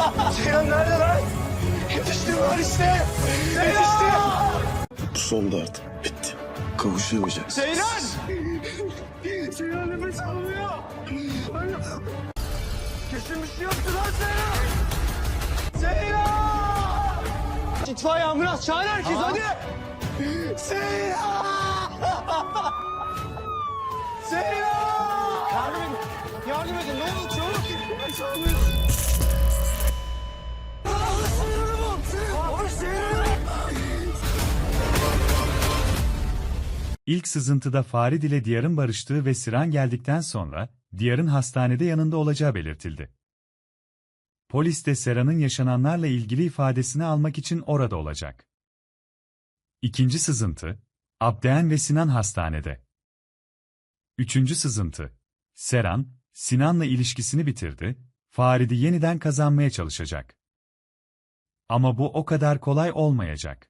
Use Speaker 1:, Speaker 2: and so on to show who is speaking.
Speaker 1: Seyran nerede lan? Yetiştim lan işte. Yetiştim.
Speaker 2: Sonunda artık bitti. Kavuşamayacağız.
Speaker 1: Seyran! Seyran nefes almıyor. Kesin bir şey yoktu lan Seyran. Seyran! İtfaiye ambulans çağır herkes hadi. Seyran! Seyran! Yardım edin ne olur çabuk. Nefes almıyor.
Speaker 3: İlk sızıntıda Farid ile Diyar'ın barıştığı ve Sinan geldikten sonra, Diyar'ın hastanede yanında olacağı belirtildi. Polis de Sera'nın yaşananlarla ilgili ifadesini almak için orada olacak. İkinci sızıntı, Abdeen ve Sinan hastanede. Üçüncü sızıntı, Seran, Sinan'la ilişkisini bitirdi, Farid'i yeniden kazanmaya çalışacak. Ama bu o kadar kolay olmayacak.